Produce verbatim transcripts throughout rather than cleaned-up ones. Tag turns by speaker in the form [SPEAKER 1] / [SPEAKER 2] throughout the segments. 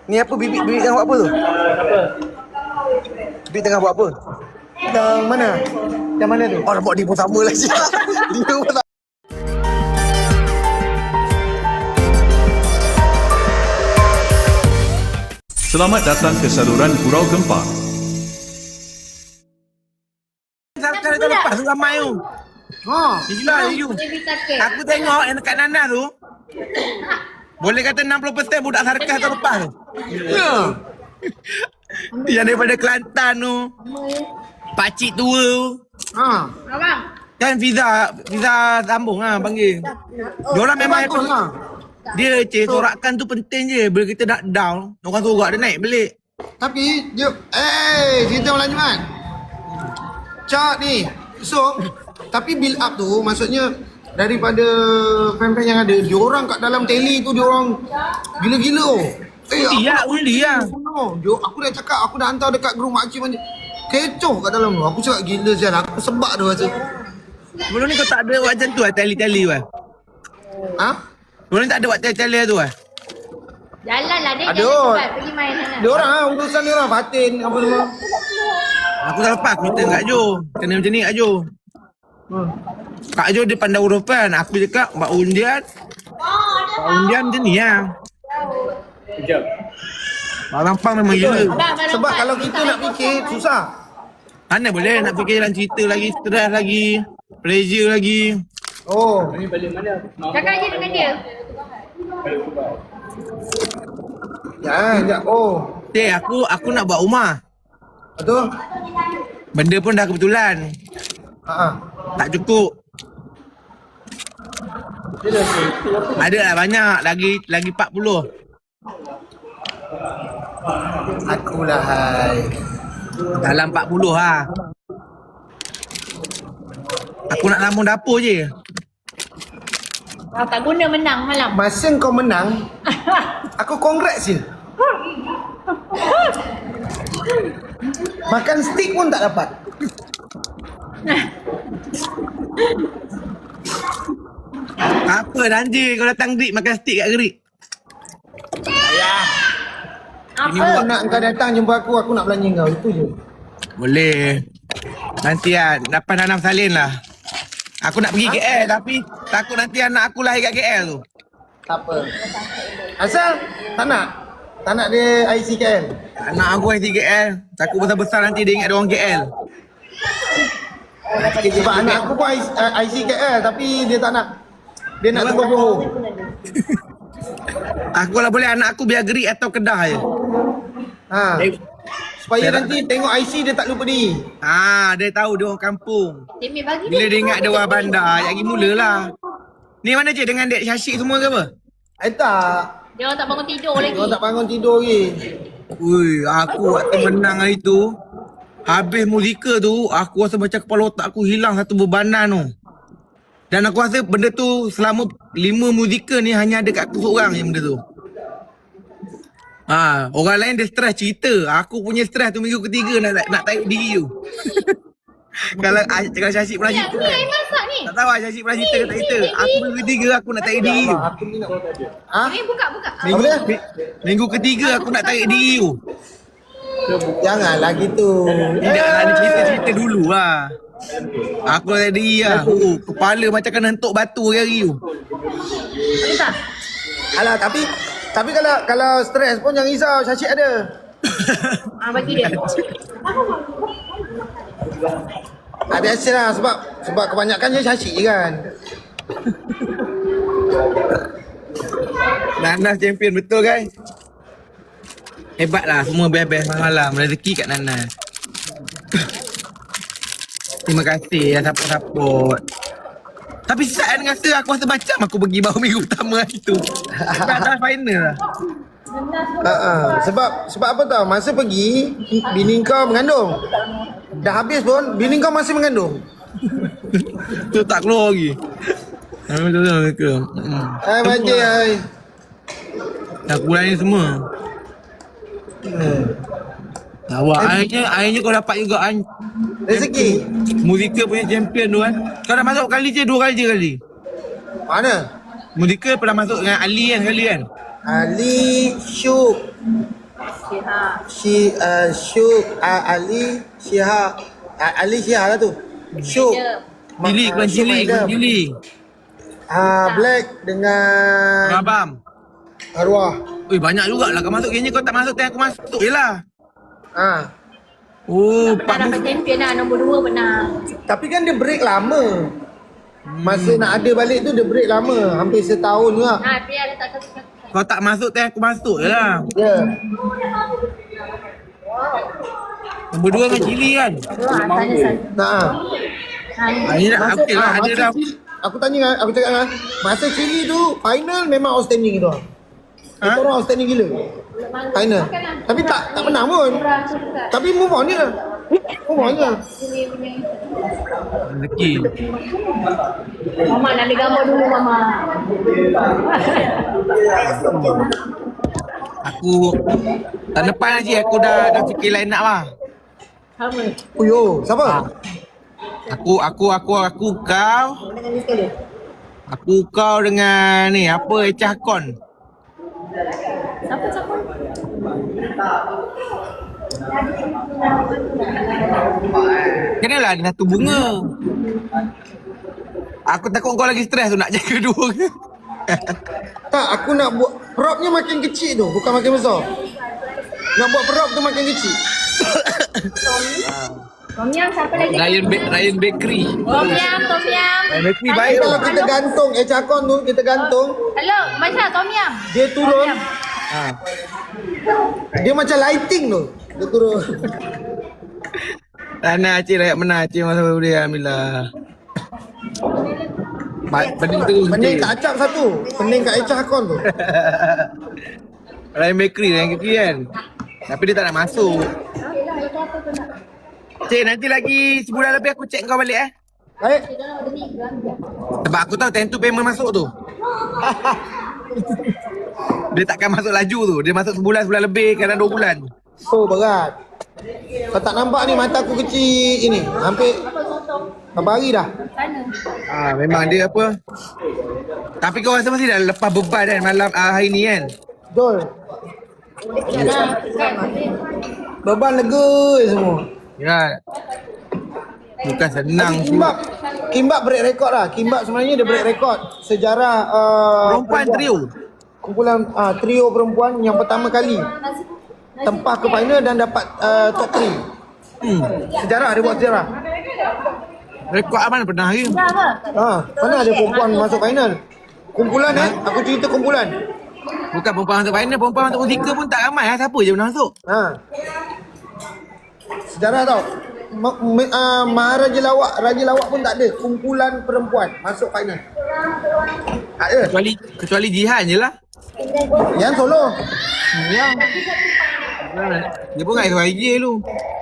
[SPEAKER 1] Ni apa bibik bibik tengah buat apa tu?
[SPEAKER 2] Apa?
[SPEAKER 1] Bibik tengah buat apa?
[SPEAKER 2] Yang mana? Yang mana tu?
[SPEAKER 1] Oh, nampak dia pun sama lah. Dia pun sama.
[SPEAKER 3] Selamat datang ke saluran Gurau Gempa.
[SPEAKER 1] Kali tahun lepas tu ramai tu. Ha, gila you. Aku tengok yang dekat Nana tu. Boleh kata enam puluh peratus budak sarkas tahun lepas tu. Ya. Yang daripada Kelantan tu. Pakcik tua tu. Ha.
[SPEAKER 4] Abang.
[SPEAKER 1] Kan Fiza, Fiza sambung lah panggil. Diorang memang
[SPEAKER 2] bagus lah.
[SPEAKER 1] Dia cik, sorakan tu penting je. Bila kita nak down, orang sorak dia naik balik.
[SPEAKER 2] Tapi dia eh cerita malam Jumaat. Cak ni. So, tapi build up tu maksudnya daripada fan-fan yang ada, diorang kat dalam tele tu diorang gila-gila oh. Eh,
[SPEAKER 1] Undi lah, undi lah.
[SPEAKER 2] Dia, aku dah cakap, aku dah hantar dekat grup makcik macam kecoh kat dalam tu. Aku cakap gila sial, aku sebab tu rasa.
[SPEAKER 1] Sebelum ni kau tak ada buat macam tu lah, tali-tali tu lah.
[SPEAKER 2] Ha?
[SPEAKER 1] Sebelum ni tak ada buat tali-tali tu lah.
[SPEAKER 4] Jalan lah dia,
[SPEAKER 2] Ada.
[SPEAKER 4] jangan cepat pergi main sana.
[SPEAKER 2] Diorang lah, urusan diorang, Fatin apa semua.
[SPEAKER 1] Aku dah lepas aku minta Kak Jo. Kena macam ni Kak Jo.
[SPEAKER 2] Hmm.
[SPEAKER 1] Kak Jo dia pandai huruf kan. Aku cakap buat undian. Buat undian macam ni lah.
[SPEAKER 2] Sekejap.
[SPEAKER 1] Mak Lampang memang gila.
[SPEAKER 4] Abang, abang
[SPEAKER 2] Sebab
[SPEAKER 4] nampak
[SPEAKER 2] kalau
[SPEAKER 4] dia
[SPEAKER 2] kita
[SPEAKER 4] tak
[SPEAKER 2] nak
[SPEAKER 4] ikut.
[SPEAKER 2] fikir, susah.
[SPEAKER 1] Mana boleh nak fikir jalan cerita lagi. Stres lagi. Pressure lagi.
[SPEAKER 2] Oh.
[SPEAKER 4] Cakap je dengan dia.
[SPEAKER 2] Ya, sekejap. Oh.
[SPEAKER 1] Eh aku aku nak buat rumah.
[SPEAKER 2] Betul?
[SPEAKER 1] Benda pun dah kebetulan.
[SPEAKER 2] Ha.
[SPEAKER 1] Tak cukup. Ada lah banyak. Lagi lagi empat puluh.
[SPEAKER 2] Akulah hai.
[SPEAKER 1] Dalam empat puluh lah. Aku nak lambung dapur je.
[SPEAKER 4] Ah, tak guna menang malam.
[SPEAKER 2] Masa kau menang, aku congrats je. Makan stick pun tak dapat.
[SPEAKER 1] Apa nanti kau datang Grik makan stik kat Grik.
[SPEAKER 2] Ini
[SPEAKER 4] Apa?
[SPEAKER 2] buat nak kau datang jumpa aku, aku nak belanja kau. Itu je.
[SPEAKER 1] Boleh. Nanti lah, dapat nanam salin lah. Aku nak pergi K L tapi takut nanti anak aku lahir kat K L tu.
[SPEAKER 2] Tak apa. Asal tak nak? Tak nak dia I C K L?
[SPEAKER 1] Anak aku lahir di K L. Takut besar-besar nanti dia ingat dia orang K L.
[SPEAKER 2] Sebab anak aku pun I C K L tapi dia tak nak. Dia nak tunggu Johor.
[SPEAKER 1] Aku kalau boleh anak aku biar Grik atau Kedah je.
[SPEAKER 2] Ha.
[SPEAKER 1] Eh,
[SPEAKER 2] Supaya
[SPEAKER 1] saya
[SPEAKER 2] nanti tengok I C dia tak lupa diri.
[SPEAKER 1] Ah, dia tahu dia orang kampung.
[SPEAKER 4] Timmy bagi
[SPEAKER 1] Bila dia ingat dia orang bandar, yang lagi mulalah. Ni mana je dengan Dek Syashik semua ke apa?
[SPEAKER 2] Eh tak.
[SPEAKER 4] dia orang tak bangun tidur lagi.
[SPEAKER 2] Dia tak bangun tidur lagi.
[SPEAKER 1] Ui, aku waktu menang hari tu, habis muzika tu, aku rasa macam kepala otak aku hilang satu bebanan tu. Dan aku rasa benda tu selama lima muzika ni hanya ada kat aku seorang je benda tu. Ha, orang lain dia stres cerita. Aku punya stres tu minggu ketiga nak nak tarik diri tu. kalau kalau Syashik pernah
[SPEAKER 4] Ya,
[SPEAKER 1] cerita.
[SPEAKER 4] ni air masak ni.
[SPEAKER 1] Tak tahu lah Syashik pernah cerita ke tak cerita. Aku minggu ketiga aku nak tarik diri tu.
[SPEAKER 2] Aku ni nak. Ha?
[SPEAKER 4] Timmy buka, buka.
[SPEAKER 1] Minggu,
[SPEAKER 2] dia?
[SPEAKER 1] mi- minggu ketiga aku nak tarik diri tu.
[SPEAKER 2] Janganlah gitu.
[SPEAKER 1] Tidak lah, ni cerita-cerita dulu lah. Aku nak tarik diri lah. Oh, kepala macam kena hentuk batu hari-hari tu.
[SPEAKER 4] Boleh tak?
[SPEAKER 2] Alah tapi tapi kalau kalau stres pun jangan risau, Syashik ada.
[SPEAKER 4] Ah, bagi dia.
[SPEAKER 2] Ah, biasalah sebab sebab kebanyakan je Syashik je kan.
[SPEAKER 1] Nanas champion betul guys. Hebat lah semua best-best malam. Rezeki kat Nanas. Terima kasih ya support-support. Tapi saat rasa aku rasa macam aku pergi baru minggu pertama hari tu. Tak ada final lah.
[SPEAKER 2] Ha ah. Sebab sebab apa tau? Masa pergi bini kau mengandung. Dah habis pun bini kau masih mengandung.
[SPEAKER 1] Tu tak keluar lagi. Ha, betul-betul ke. Hmm.
[SPEAKER 2] Hai baje hai.
[SPEAKER 1] Aku lain semua.
[SPEAKER 2] Hmm.
[SPEAKER 1] Awak akhirnya akhirnya kau dapat juga kan.
[SPEAKER 2] Rezeki.
[SPEAKER 1] Muzika punya champion tu kan. Kau dah masuk kali je dua kali je kali.
[SPEAKER 2] Mana?
[SPEAKER 1] Muzika pernah masuk dengan Ali kan sekali kan.
[SPEAKER 2] Ali Syuk
[SPEAKER 4] Syiha.
[SPEAKER 2] Shi uh, Syuk uh, Ali Syihah uh, Ali Syihah lah tu. Syuk.
[SPEAKER 1] Cili,
[SPEAKER 2] Ma-
[SPEAKER 1] keluar
[SPEAKER 2] ah, Syuk
[SPEAKER 1] cili, keluar
[SPEAKER 2] Maidam.
[SPEAKER 1] cili.
[SPEAKER 2] Ah, Black dengan
[SPEAKER 1] Rabam.
[SPEAKER 2] Arwah.
[SPEAKER 1] Ui, banyak jugalah kau masuk. Kayaknya kau tak masuk, time aku masuk je lah.
[SPEAKER 2] Ah.
[SPEAKER 1] Oh,
[SPEAKER 4] Pernah
[SPEAKER 1] Pak
[SPEAKER 4] dapat champion lah. Nombor dua pernah.
[SPEAKER 2] Tapi kan dia break lama. Masa nak ada balik tu dia break lama. Hampir setahun juga.
[SPEAKER 4] Ha, dia ada tak satu-satu.
[SPEAKER 1] Kau tak masuk, time aku masuk je lah.
[SPEAKER 2] Ya. Yeah.
[SPEAKER 1] Nombor dua dengan cili kan?
[SPEAKER 4] Ha, sana sana.
[SPEAKER 2] Nah.
[SPEAKER 4] Ha, ni.
[SPEAKER 1] Ah, ini dah
[SPEAKER 2] Masa,
[SPEAKER 1] okey lah,
[SPEAKER 2] ah,
[SPEAKER 1] ada
[SPEAKER 2] masa
[SPEAKER 1] dah.
[SPEAKER 2] Chile- aku tanya kan, aku cakap kan, masa Chile tu final memang outstanding tu.
[SPEAKER 1] Ha?
[SPEAKER 2] Kita orang outstanding gila. Final. Tapi tak tak menang pun. Tapi move on je. Move on je.
[SPEAKER 1] Rezeki.
[SPEAKER 4] Mama nak ambil gambar dulu Mama.
[SPEAKER 1] Aku tahun depan lagi aku dah dah fikir line up lah.
[SPEAKER 4] Sama.
[SPEAKER 2] Uyo, siapa?
[SPEAKER 1] Aku aku aku aku kau. Aku kau dengan ni apa Echah Kon.
[SPEAKER 4] Siapa siapa?
[SPEAKER 1] Kenalah ada satu bunga. Aku takut kau lagi stres tu nak jaga dua.
[SPEAKER 2] Tak, aku nak buat propnya makin kecil tu, bukan makin besar. Nak buat prop tu makin kecil.
[SPEAKER 4] Tom Yam siapa lagi?
[SPEAKER 1] Ryan Ba- Ryan Bakery.
[SPEAKER 4] Tom Yam, Tom Yam.
[SPEAKER 1] Ryan Bakery
[SPEAKER 2] Tapi
[SPEAKER 1] baik.
[SPEAKER 2] kalau kita gantung eh cakon tu, kita gantung,
[SPEAKER 4] Hello, Masya, Tom Yam.
[SPEAKER 2] dia turun,
[SPEAKER 1] Ha.
[SPEAKER 2] dia macam lighting tu. Dia turun.
[SPEAKER 1] Rana Aceh rakyat menang Aceh masa dia alhamdulillah. Ba- Pening tu.
[SPEAKER 2] Pening kat acap satu, pening kat Echah Akon tu.
[SPEAKER 1] Ryan Bakery Ryan Bakery kan. Tapi dia tak nak masuk. Cik, nanti lagi sebulan lebih aku check kau balik eh.
[SPEAKER 2] Baik.
[SPEAKER 1] Sebab aku tahu time tu payment masuk tu. Dia takkan masuk laju tu. Dia masuk sebulan, sebulan lebih, kadang dua bulan.
[SPEAKER 2] Oh, berat. Kau tak nampak ni mata aku kecil ini. Hampir berapa hari dah.
[SPEAKER 1] Ah, memang dia apa. Tapi kau rasa mesti dah lepas beban kan malam ah, hari ni kan.
[SPEAKER 2] Betul. Beban lega je semua.
[SPEAKER 1] Ya. Bukan senang tu.
[SPEAKER 2] Kimbap. Kimbap break rekod lah. Kimbap sebenarnya dia break rekod sejarah uh,
[SPEAKER 1] Perempuan trio.
[SPEAKER 2] Kumpulan uh, trio perempuan yang pertama kali tempah ke final dan dapat uh, top tiga.
[SPEAKER 1] Hmm.
[SPEAKER 2] Sejarah, dia buat sejarah.
[SPEAKER 1] Rekod Aman pernah hari.
[SPEAKER 2] Ha, mana ada perempuan masuk final? Kumpulan eh, aku cerita kumpulan.
[SPEAKER 1] Bukan perempuan masuk final, perempuan masuk musika pun tak ramai lah. Siapa je pernah masuk?
[SPEAKER 2] Ha. Sejarah tau. Ma- ma- uh, Maharaja Lawak, Raja Lawak pun tak ada. Kumpulan perempuan masuk final. Tak ada.
[SPEAKER 1] Kecuali kecuali Jihan je lah.
[SPEAKER 2] Yang solo.
[SPEAKER 1] Yang. Dia pun kat S Y J tu.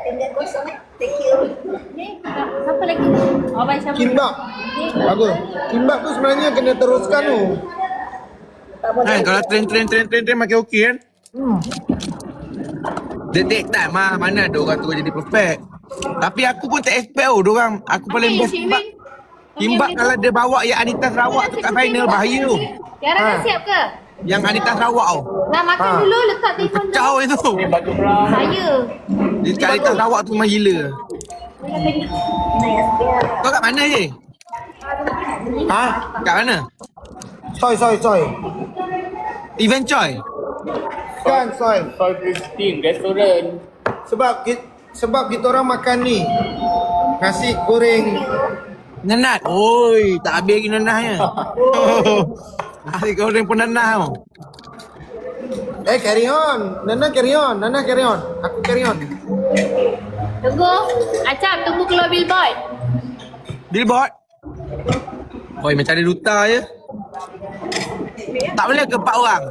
[SPEAKER 4] Siapa lagi? Oh, baik siapa?
[SPEAKER 2] Kimbap. Bagus. Kimbap tu sebenarnya kena teruskan tu.
[SPEAKER 1] Kan kalau train train train train train makin okey kan.
[SPEAKER 2] Hmm.
[SPEAKER 1] Dia take time lah. Mana ada orang tu jadi perfect. Tapi aku pun tak expect tau diorang. Aku paling best Kimbap. Kimbap kalau dia bawa yang Anita Sarawak tu kat final bahaya tu.
[SPEAKER 4] Tiara dah siap ke?
[SPEAKER 1] Yang Anita Sarawak tu.
[SPEAKER 4] Nak makan
[SPEAKER 2] Ha.
[SPEAKER 4] dulu, letak telefon dulu.
[SPEAKER 1] Kacau itu.
[SPEAKER 4] Saya.
[SPEAKER 1] Dia kat Anita Sarawak tu memang gila. Kau kat mana je?
[SPEAKER 2] Ha?
[SPEAKER 1] Kat mana?
[SPEAKER 2] Soy, soy, soy.
[SPEAKER 1] Event Choi.
[SPEAKER 2] Kan, soy.
[SPEAKER 5] Soy Christine, restoran.
[SPEAKER 2] Sebab kita, sebab kita orang makan ni. Nasi goreng.
[SPEAKER 1] Nanat. Oi, tak habis lagi nanahnya. Nasi goreng pun nanah tau.
[SPEAKER 2] Eh, carry on. Nana carry on. Nana carry on. Aku carry on.
[SPEAKER 4] Tunggu. Acap, tunggu keluar billboard.
[SPEAKER 1] Billboard. Oi, macam ada duta je. Tak boleh ke empat orang?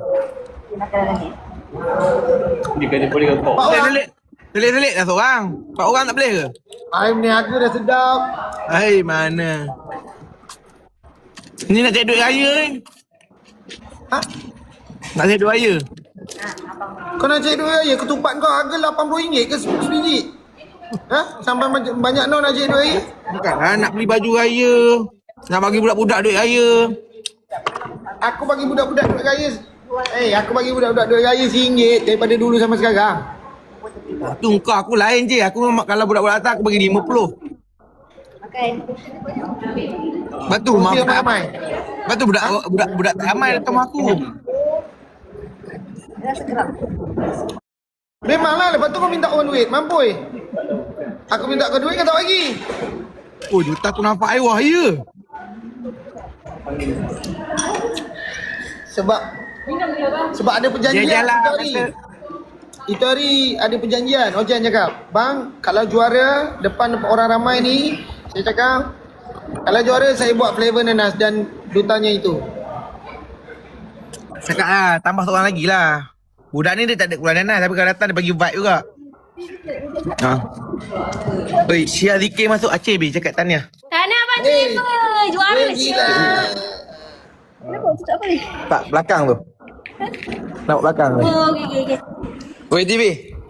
[SPEAKER 5] Dia kata boleh ke kau?
[SPEAKER 2] Empat orang.
[SPEAKER 1] Selit-selit. Selit-selit dah seorang. Empat orang tak boleh ke?
[SPEAKER 2] Ayam niaga dah sedap.
[SPEAKER 1] Hai, mana? Ni nak cari duit raya ni.
[SPEAKER 2] Ha?
[SPEAKER 1] Nak cari duit raya.
[SPEAKER 2] Kau nak cari duit raya, ketupat kau harga lapan puluh ringgit ke sebiji? Ha? Sampai banyak, banyak no nak cari duit raya?
[SPEAKER 1] Bukanlah nak beli baju raya. Nak bagi budak-budak duit raya.
[SPEAKER 2] Aku bagi budak-budak duit raya Eh, aku bagi budak-budak duit raya RM satu daripada dulu sampai sekarang.
[SPEAKER 1] Tu kau aku lain je. Aku memang kalau budak-budak atas aku bagi lima puluh.
[SPEAKER 4] Makan.
[SPEAKER 1] Lepas tu mak
[SPEAKER 2] Dia
[SPEAKER 1] aku tak
[SPEAKER 2] ramai.
[SPEAKER 1] Lepas tu budak budak budak tak ramai datang rumah aku.
[SPEAKER 4] Rasa kerap.
[SPEAKER 2] Memanglah, lepas tu kau minta orang duit. Mampui. Aku minta kau duit, kau tak bagi.
[SPEAKER 1] Oh, juta aku nampak air wah ya.
[SPEAKER 2] Sebab Sebab ada perjanjian
[SPEAKER 1] Dia jalan
[SPEAKER 2] itu hari.
[SPEAKER 1] kata-
[SPEAKER 2] Itu hari ada perjanjian. Ojan cakap, bang, kalau juara depan orang ramai ni, saya cakap, kalau juara saya buat flavor nanas dan dutanya itu.
[SPEAKER 1] Cakap lah, tambah seorang lagi lah. Budak ni dia tak ada keluar nanas tapi kalau datang dia bagi vibe juga. Ha. Oi, Syia Zikir masuk Aceh bi cakap tanya.
[SPEAKER 4] Tak nak abang
[SPEAKER 2] Eh,
[SPEAKER 4] Jennifer. Juara
[SPEAKER 2] Eh, gila.
[SPEAKER 4] Kenapa? Tutup apa ni?
[SPEAKER 1] Tak belakang tu. Nampak belakang tu.
[SPEAKER 4] Oh, okey, okey, okey.
[SPEAKER 1] Oi T V.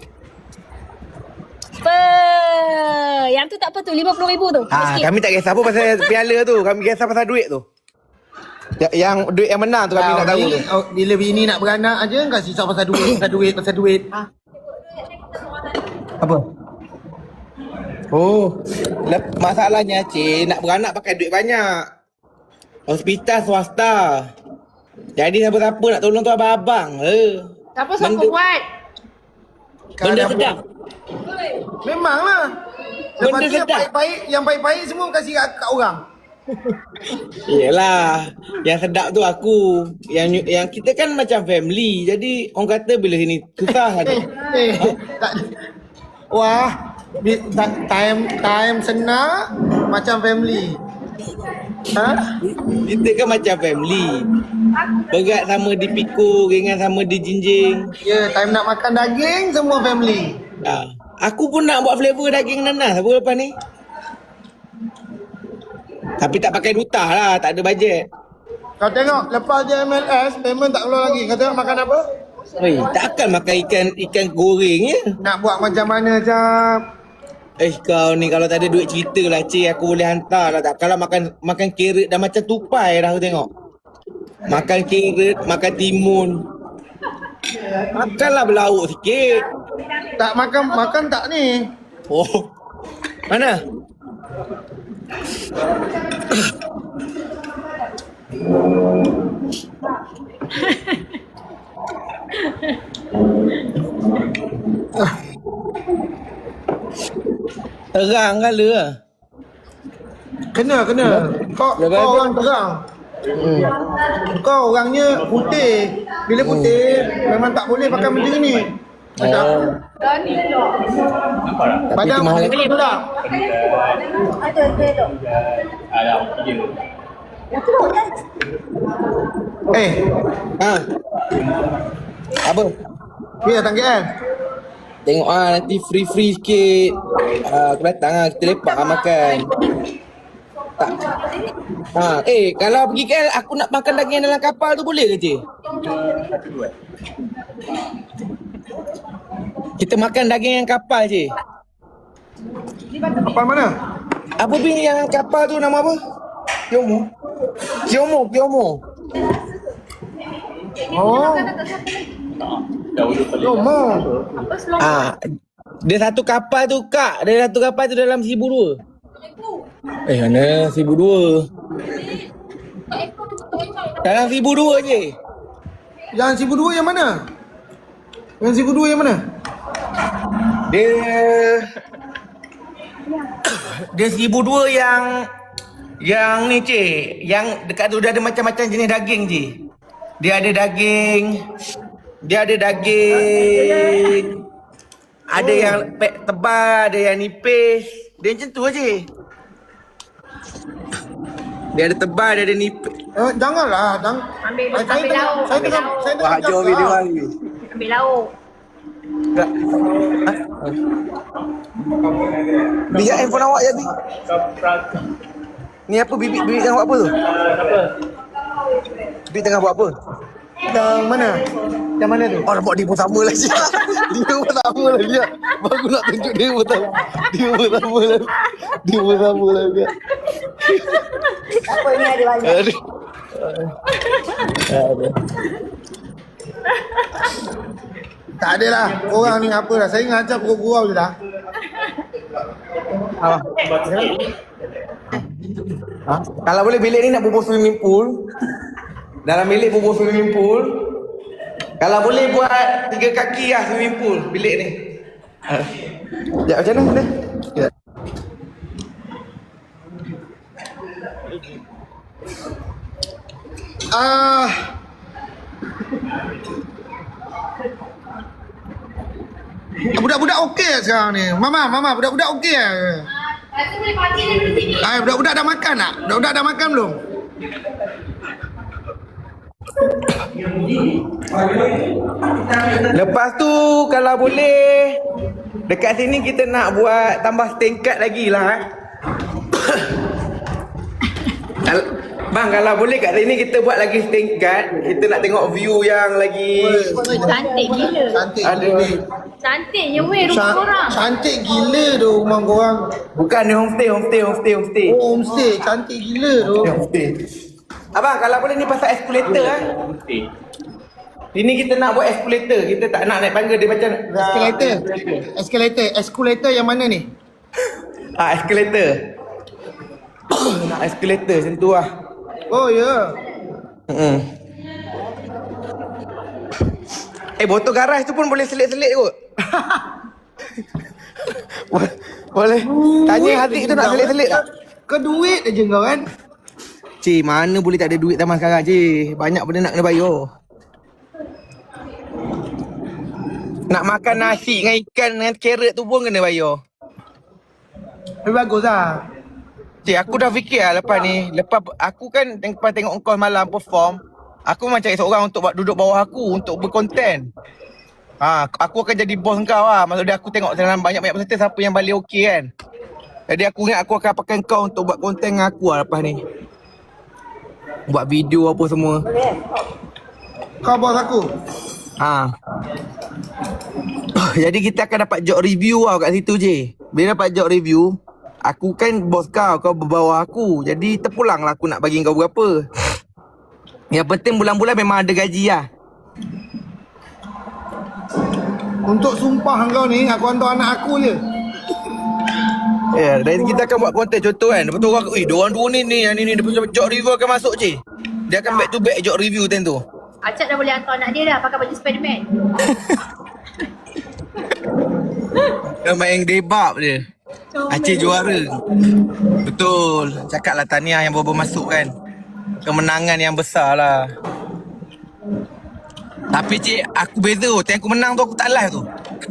[SPEAKER 4] Apa? Yang tu tak apa tu, lima puluh ribu tu.
[SPEAKER 1] Ha,
[SPEAKER 4] Sikit.
[SPEAKER 1] kami tak kisah apa pasal piala tu. Kami kisah pasal duit tu. Ya, yang duit yang menang tu kami nak tahu.
[SPEAKER 2] Bila, oh, bila bini nak beranak aja kau risau pasal duit, pasal duit, pasal duit.
[SPEAKER 1] Apa? Oh, lep- masalahnya cik nak beranak pakai duit banyak. Hospital swasta. Jadi siapa-siapa nak tolong tu abang-abang. Eh.
[SPEAKER 4] Siapa siapa
[SPEAKER 1] Benda-
[SPEAKER 4] buat?
[SPEAKER 1] Benda
[SPEAKER 2] Kalau
[SPEAKER 1] sedap.
[SPEAKER 2] Memanglah. Lepas
[SPEAKER 1] Benda
[SPEAKER 2] tu yang
[SPEAKER 1] sedap.
[SPEAKER 2] baik-baik, yang baik-baik semua kasih kat, kat orang.
[SPEAKER 1] Yelah, yang sedap tu aku. Yang yang kita kan macam family. Jadi orang kata bila sini susah ada.
[SPEAKER 2] Eh, eh, tak. Wah, di- ta- time time senang macam family. Ha?
[SPEAKER 1] Kita kan macam family. Berat sama dipikul, ringan sama dijinjing.
[SPEAKER 2] Ya, time nak makan daging semua family.
[SPEAKER 1] Ha. Aku pun nak buat flavor daging nanas apa lepas ni. Tapi tak pakai duta lah, tak ada bajet.
[SPEAKER 2] Kau tengok lepas je M L S payment tak keluar lagi. Kau tengok makan apa?
[SPEAKER 1] Oi, takkan makan ikan ikan goreng ya?
[SPEAKER 2] Nak buat macam mana Cap?
[SPEAKER 1] Eh kau ni kalau tak ada duit cerita lah cik, aku boleh hantar lah tak. Kalau makan makan carrot dah macam tupai dah aku tengok. Makan carrot, makan timun. Makanlah berlauk sikit.
[SPEAKER 2] Tak makan makan tak ni?
[SPEAKER 1] Oh. Mana? Terang kala lah.
[SPEAKER 2] Kena kena. Kau
[SPEAKER 1] Lepas
[SPEAKER 2] kau
[SPEAKER 1] tu-
[SPEAKER 2] orang terang.
[SPEAKER 1] Hmm.
[SPEAKER 2] Kau orangnya putih. Bila putih memang tak boleh pakai macam ni. Macam
[SPEAKER 1] Oh.
[SPEAKER 5] Nampak tak?
[SPEAKER 2] badan
[SPEAKER 1] itu mahal.
[SPEAKER 2] putih tu tak?
[SPEAKER 4] Ada, ada, ada.
[SPEAKER 5] Alah, okey je.
[SPEAKER 2] Eh,
[SPEAKER 1] Ha. Apa?
[SPEAKER 2] ni datang K L.
[SPEAKER 1] Tengok ah nanti free-free sikit. Ah, aku datang ah, kita lepak ah makan. Tak. Ha, eh kalau pergi K L aku nak makan daging dalam kapal tu boleh ke cik? Kita makan daging yang kapal cik.
[SPEAKER 2] Kapal mana?
[SPEAKER 1] Apa bin yang kapal tu nama apa? Kiomo. Kiomo, Kiomo.
[SPEAKER 2] Oh,
[SPEAKER 5] Jauh tu paling.
[SPEAKER 2] Lomo.
[SPEAKER 1] Ah, dia satu kapal tu kak, dia satu kapal tu dalam seribu dua. Eh mana seribu dua? Dalam seribu dua je.
[SPEAKER 2] Yang seribu dua yang mana? Yang seribu dua yang mana?
[SPEAKER 1] Dia Dia seribu dua yang Yang ni cik, yang dekat tu dia ada macam-macam jenis daging cik. Dia ada daging Dia ada daging Ada yang pek tebal, ada yang nipis. Dia macam tu je. Dia ada tebal, dia ada nipis.
[SPEAKER 2] Eh, janganlah, jangan.
[SPEAKER 4] Ambil,
[SPEAKER 2] Saya
[SPEAKER 4] ambil
[SPEAKER 2] tengah-
[SPEAKER 4] lauk,
[SPEAKER 2] Saya
[SPEAKER 4] ambil
[SPEAKER 2] tengah,
[SPEAKER 4] lauk.
[SPEAKER 2] saya tengah cakap.
[SPEAKER 4] Ambil lauk.
[SPEAKER 1] Tak. Ha? Biar handphone awak jadi. Ni apa bibi bibi tengah buat apa tu? Bibi tengah buat apa?
[SPEAKER 2] Yang mana? Yang mana tu?
[SPEAKER 1] Oh nampak dia pun sama lah Syah. Dia pun sama lah dia. Baru nak tunjuk dia pun sama. Dia pun sama lah. Dia pun sama lah dia.
[SPEAKER 4] Apa ni ada banyak.
[SPEAKER 1] Aduh. Aduh.
[SPEAKER 2] Tak ada lah. Korang ni apa lah. Saya ngajar pukul gurau je dah.
[SPEAKER 1] Ha. Ha? Kalau boleh bilik ni nak bubuh swimming pool. Dalam bilik bubuh swimming pool. Kalau boleh buat tiga kaki lah swimming pool bilik ni. Ha. Ya, macam mana? Ya.
[SPEAKER 2] Ah. Budak-budak okey lah sekarang ni. Mama, mama, budak-budak okey lah.
[SPEAKER 4] Rasa boleh parking daripada sini.
[SPEAKER 2] Ah, budak-budak dah makan tak? Budak-budak dah makan belum?
[SPEAKER 1] Lepas tu kalau boleh dekat sini kita nak buat tambah tingkat lagi lah eh. Kal- Bang, kalau boleh kat sini kita buat lagi tingkat. Kita nak tengok view yang lagi
[SPEAKER 4] Cantik gila.
[SPEAKER 2] Cantik
[SPEAKER 1] ada.
[SPEAKER 2] gila.
[SPEAKER 4] Cantiknya weh rumah
[SPEAKER 2] Ca-
[SPEAKER 4] korang.
[SPEAKER 2] Cantik gila tu rumah korang.
[SPEAKER 1] Bukan ni homestay, homestay, homestay, homestay.
[SPEAKER 2] Oh, homestay. Cantik gila tu.
[SPEAKER 1] Homestay. Abang, kalau boleh ni pasal escalator eh.
[SPEAKER 5] Mesti.
[SPEAKER 1] Ini kita nak buat escalator. Kita tak nak naik tangga dia macam
[SPEAKER 2] Escalator. Escalator. Escalator yang mana ni?
[SPEAKER 1] Ah, escalator. Nak escalator macam tu lah.
[SPEAKER 2] Oh, ya. Yeah.
[SPEAKER 1] Hmm. Eh, botol garas tu pun boleh selit-selit kot. Bo- boleh. Tanya hati tu nak selit-selit tak?
[SPEAKER 2] Ke duit aja kau kan?
[SPEAKER 1] Cik, mana boleh tak ada duit zaman sekarang, cik. Banyak benda nak kena bayar. Nak makan nasi dengan ikan dengan carrot tu pun kena bayar.
[SPEAKER 2] Tapi bagus lah.
[SPEAKER 1] Cik, aku dah fikir lah lepas ni. Lepas aku kan lepas tengok kau malam perform, aku memang cari seorang untuk buat duduk bawah aku untuk berkonten. Ha, aku akan jadi bos kau lah. Maksudnya aku tengok dalam banyak-banyak peserta siapa yang balik okey kan. Jadi aku ingat aku akan pakai kau untuk buat konten dengan aku lah lepas ni. Buat video apa semua.
[SPEAKER 2] Kau bos aku.
[SPEAKER 1] Ha. Jadi kita akan dapat job review lah kat situ je. Bila dapat job review, aku kan bos kau, kau berbawah aku. Jadi terpulang lah aku nak bagi kau berapa. Yang penting bulan-bulan memang ada gaji lah.
[SPEAKER 2] Untuk sumpah kau ni, aku hantar anak aku je.
[SPEAKER 1] Ya, yeah, dan kita akan buat konten contoh kan. Lepas tu orang, eh, diorang dua ni ni, yang ni ni. Lepas tu job review akan masuk je. Dia akan back to back job review time tu.
[SPEAKER 4] Acap dah boleh hantar anak dia dah pakai baju Spiderman.
[SPEAKER 1] Dia main debab dia. Aceh juara. Betul. Cakaplah tahniah yang baru masuk kan. Kemenangan yang besar lah. Tapi cik, aku beza tu. Time aku menang tu aku tak live tu.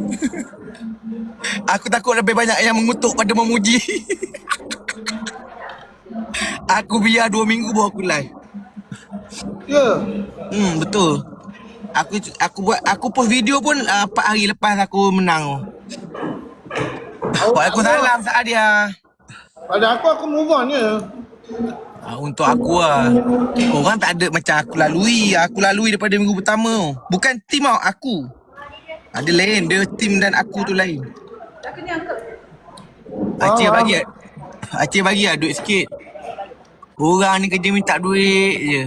[SPEAKER 1] Aku takut lebih banyak yang mengutuk pada memuji. Aku biar dua minggu baru aku live.
[SPEAKER 2] Ya.
[SPEAKER 1] Hmm, betul. Aku aku buat aku post video pun uh, empat hari lepas aku menang tu.
[SPEAKER 2] Oh,
[SPEAKER 1] Waalaikumsalam Saadia.
[SPEAKER 2] Pada aku, aku move on je.
[SPEAKER 1] Ah, untuk aku lah. Orang tak ada macam aku lalui. Aku lalui daripada minggu pertama. Bukan tim tau, aku. Ada lain. Dia tim dan aku tu lain. Aceh
[SPEAKER 2] Ah.
[SPEAKER 1] bagi Aceh bagi lah duit sikit. Orang ni kerja minta duit je.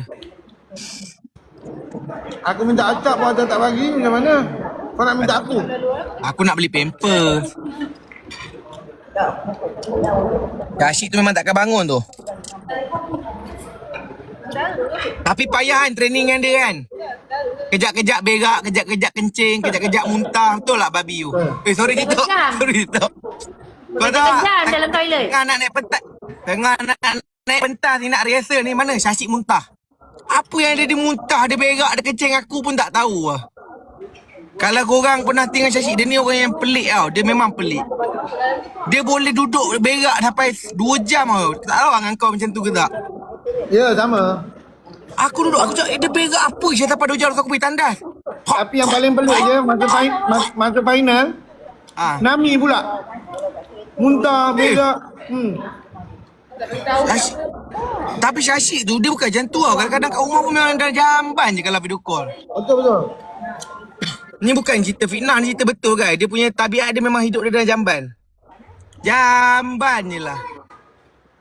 [SPEAKER 2] Aku minta acap pun Atas tak bagi, macam mana? Kau nak minta aku?
[SPEAKER 1] Aku nak beli pampers. Kashik tu memang takkan bangun tu. Tapi payah kan training dengan dia kan. Kejap-kejap berak, kejap-kejap kencing, kejap-kejap muntah. Betul lah babi tu? Eh sorry Tito. Sorry Tito. Kau tahu tak?
[SPEAKER 4] Kejam dalam toilet.
[SPEAKER 1] Tengah nak naik pentas. Tengah nak naik pentas ni nak rehearsal ni mana Syashik muntah. Apa yang dia, dia muntah, dia berak, dia kencing aku pun tak tahu lah. Kalau korang pernah tengok Syashik, dia ni orang yang pelik tau. Dia memang pelik. Dia boleh duduk berak sampai dua jam tau. Tak tahu dengan kau macam tu ke tak?
[SPEAKER 2] Ya, sama.
[SPEAKER 1] Aku duduk, aku cakap, eh dia berak apa? Saya dapat dua jam lepas aku pergi tandas.
[SPEAKER 2] Tapi yang paling pelik je, masa, fi- mas- masa final,
[SPEAKER 1] Ah,
[SPEAKER 2] Nami pula. Muntah, berak. Hmm.
[SPEAKER 1] Syashik. Tapi Syashik tu, dia bukan macam tu tau. Kadang-kadang kat rumah pun memang dah jamban je kalau video call.
[SPEAKER 2] Betul-betul.
[SPEAKER 1] Ni bukan cerita fitnah, ni cerita betul kan. Dia punya tabiat dia memang hidup dia dalam jamban. Jamban je lah.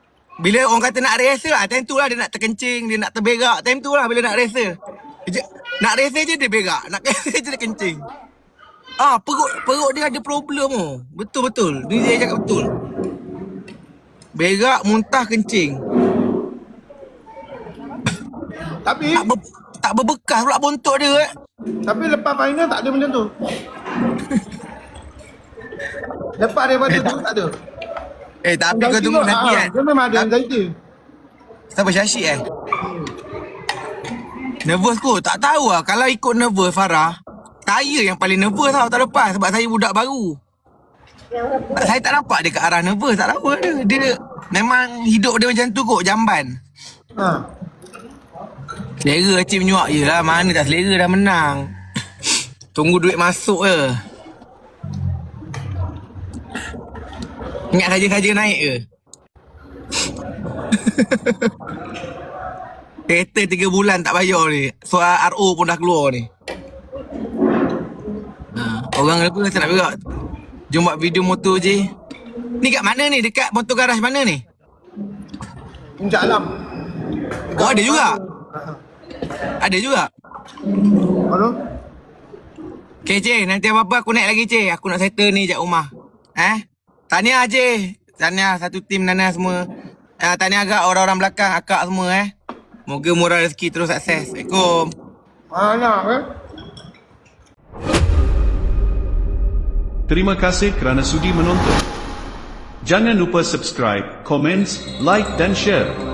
[SPEAKER 1] Bila orang kata nak rehearsal lah, time tu lah dia nak terkencing, dia nak terberak. Time tu lah bila nak rehearsal. Dia, Nak rese je dia berak. Nak rese je dia kencing. Ah, perut perut dia ada problem oh. Betul-betul. Dia cakap betul. Berak, muntah, kencing.
[SPEAKER 2] Tapi
[SPEAKER 1] Tak ber, tak berbekas pula bontot dia eh.
[SPEAKER 2] tapi lepas final tak ada macam tu. Lepas daripada tu tak ada.
[SPEAKER 1] Eh, tapi kau tunggu nanti
[SPEAKER 2] ah,
[SPEAKER 1] kan.
[SPEAKER 2] dia memang ada anxiety.
[SPEAKER 1] Siapa Syashik eh? Nervous kot. Tak tahu lah. Kalau ikut nervous Farah, saya yang paling nervous tau tak lepas. Sebab saya budak baru. Saya tak nampak dia ke arah nervous. Tak tahu dia. Dia memang hidup dia macam tu kot. Jamban.
[SPEAKER 2] Ha.
[SPEAKER 1] Selera achieve menyuak je lah. Mana tak selera dah menang. Tunggu duit masuk je. Ingat saja-saja naik ke? Kereta tiga bulan tak bayar ni. Soal R O pun dah keluar ni. Ha, orang apa tak nak berak. Jom buat video motor je. Ni kat mana ni? Dekat motor garaj mana ni?
[SPEAKER 2] Puncak Alam.
[SPEAKER 1] Oh ada juga? Ada juga?
[SPEAKER 2] Mana?
[SPEAKER 1] Okay Cik, nanti apa-apa aku naik lagi Cik. Aku nak settle ni jap rumah. Eh? Tahniah Cik. Tahniah satu tim Nana semua. Uh, tahniah agak orang-orang belakang, akak semua eh. Moga murah rezeki terus sukses. Assalamualaikum.
[SPEAKER 2] Mana eh?
[SPEAKER 3] Terima kasih kerana sudi menonton. Jangan lupa subscribe, komen, like dan share.